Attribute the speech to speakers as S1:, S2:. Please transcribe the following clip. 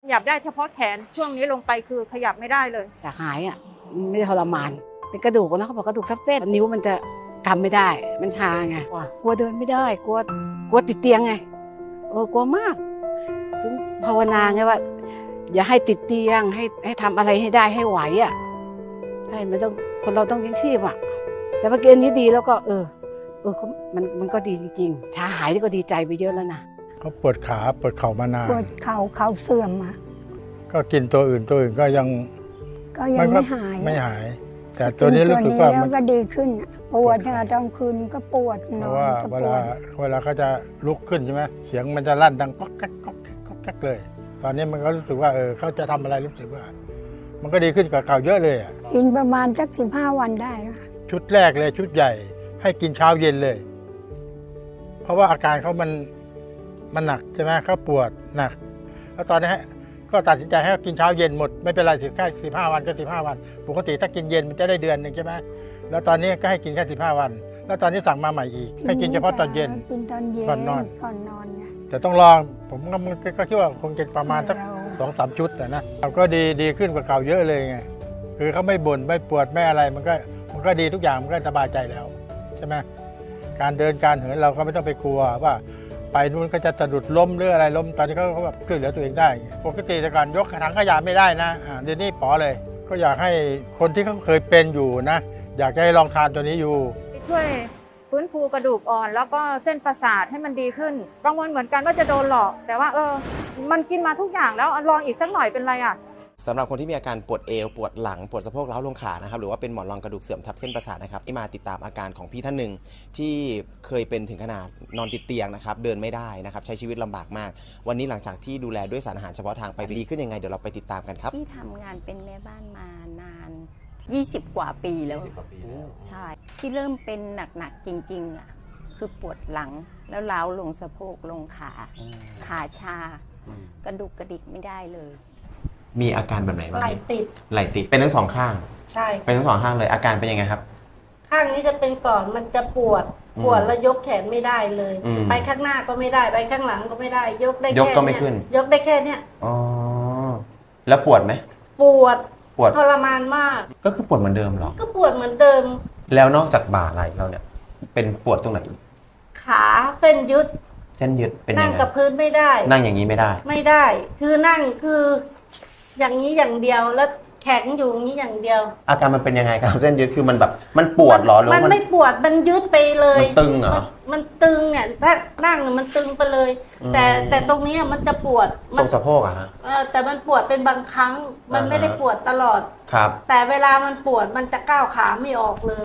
S1: ยับได้เฉพาะแขนช่วงนี้ลงไปคือขยับไม่ได้เลย
S2: อยากหายอ่ะไม่ได้ทรมานเป็นกระดูกนะเขาบอกกระดูกทับเส้นนิ้วมันจะกำไม่ได้มันชาไงกลัวเดินไม่ได้กลัวติดเตียงไงกลัวมากถึงภาวนาไงว่าอย่าให้ติดเตียงให้ทำอะไรให้ได้ให้ไหวอ่ะใช่มันต้องคนเราต้องเลี้ยงชีพอ่ะแต่เมื่อกี้นี้ดีแล้วก็มันก็ดีจริงๆชาหายนี่ก็ดีใจไปเยอะแล้วนะ
S3: เขาปวดขาปวดเข่ามานาน
S4: ปวดเข่าเสื่อมอ่ะ
S3: ก็กินตัวอื่นก็ยังไม่หายแต่ตัวนี้รู้สึกว่า
S4: มันก็ดีขึ้นปวดตอนคืนก็ปวดนอน
S3: เพราะว่าเวลาเขาจะลุกขึ้นใช่ไหมเสียงมันจะลั่นดังก๊อกแก๊กก๊อกแก๊กก๊อกแก๊กเลยตอนนี้มันก็รู้สึกว่าเขาจะทำอะไรรู้สึกว่ามันก็ดีขึ้นกว่าเก่าเยอะเลย
S4: กินประมาณสัก15 วันได้
S3: ชุดแรกเลยชุดใหญ่ให้กินเช้าเย็นเลยเพราะว่าอาการเขามันหนักใช่ไหมเขาปวดหนักแล้วตอนนี้ก็ตัดสินใจให้กินเช้าเย็นหมดไม่เป็นไรแค่15 วันก็15 วันปกติถ้ากินเย็นมันจะได้เดือนนึงใช่ไหมแล้วตอนนี้ก็ให้กินแค่15 วันแล้วตอนนี้สั่งมาใหม่อีกให้กินเฉพาะตอนเย็นก่อนนอนแต่ต้องลองผมก็คิดว่าคงจะประมาณสัก2-3 ชุดนะเราก็ดีขึ้นกว่าเก่าเยอะเลยไงคือเขาไม่บ่นไม่ปวดไม่อะไรมันก็ดีทุกอย่างมันก็สบายใจแล้วใช่ไหมการเดินการเหินเราก็ไม่ต้องไปกลัวว่าไปนู้นก็จะสะดุดล้มหรืออะไรล้มตอนนี้เขาแบบช่วยเหลือตัวเองได้ปกติแต่ก่อนยกถังขยะไม่ได้นะเดี๋ยวนี้ป๋อเลยก็อยากให้คนที่เขาเคยเป็นอยู่นะอยากให้ลองทานตัวนี้อยู่
S1: ช่วยฟื้นฟูกระดูกอ่อนแล้วก็เส้นประสาทให้มันดีขึ้นกังวลเหมือนกันว่าจะโดนหลอกแต่ว่ามันกินมาทุกอย่างแล้วลองอีกสักหน่อยเป็นไร
S5: สำหรับคนที่มีอาการปวดเอวปวดหลังปวดสะโพกเล้าลงขานะครับหรือว่าเป็นหมอนรองกระดูกเสื่อมทับเส้นประสาทนะครับที่มาติดตามอาการของพี่ท่านหนึ่งที่เคยเป็นถึงขนาดนอนติดเตียงนะครับเดินไม่ได้นะครับใช้ชีวิตลำบากมากวันนี้หลังจากที่ดูแลด้วยสารอาหารเฉพาะทางไปดีขึ้นยังไงเดี๋ยวเราไปติดตามกันครับ
S6: ที่ทำงานเป็นแม่บ้านมานาน20 กว่าปีแล้วใช่ที่เริ่มเป็นหนักๆจริงๆคือปวดหลังแล้วเล้าลงสะโพกลงขาชากระดูกกระดิกไม่ได้เลย
S5: มีอาการแบบไหนบ้าง
S7: ไหล่
S5: ติดเป็นทั้งสองข้าง
S7: ใช่
S5: เป็นทั้งสองข้างเลยอาการเป็นยังไงครับ
S7: ข้างนี้จะเป็นก่อนมันจะปวดแล้วยกแขนไม่ได้เลยไปข้างหน้าก็ไม่ได้ไปข้างหลังก็ไม่ได้ยกได้แค่
S5: ก็ไม่ขึ้น
S7: ยกได้แค่เนี้ย
S5: อ๋อแล้วปวดไหม
S7: ปวดทรมานมาก
S5: ก็คือปวดเหมือนเดิมหรอ
S7: ก็ปวดเหมือนเดิม
S5: แล้วนอกจากบ่าไหล่เราเนี่ยเป็นปวดตรงไหนอีก
S7: ขาเส้นยึด
S5: เป็น
S7: นั่งกับพื้นไม่ได้
S5: นั่งอย่างนี้ไม่
S7: ได้คือนั่งคืออย่างนี้อย่างเดียวแล้วแข็งอยู่อย่างนี้อย่างเดียว
S5: อาการมันเป็นยังไงครับเส้นยึดคือมันแบบมันปวดหรอหรือ
S7: มันไม่ปวดมันยึดไปเลย
S5: มันตึงเหรอ
S7: มันตึงเนี่ยถ้านั่งมันตึงไปเลยแต่ตรงนี้มันจะปวด
S5: ตรงสะโพกอะฮะ
S7: แต่มันปวดเป็นบางครั้งมันไม่ได้ปวดตลอด
S5: ครับ
S7: แต่เวลามันปวดมันจะก้าวขาไม่ออกเลย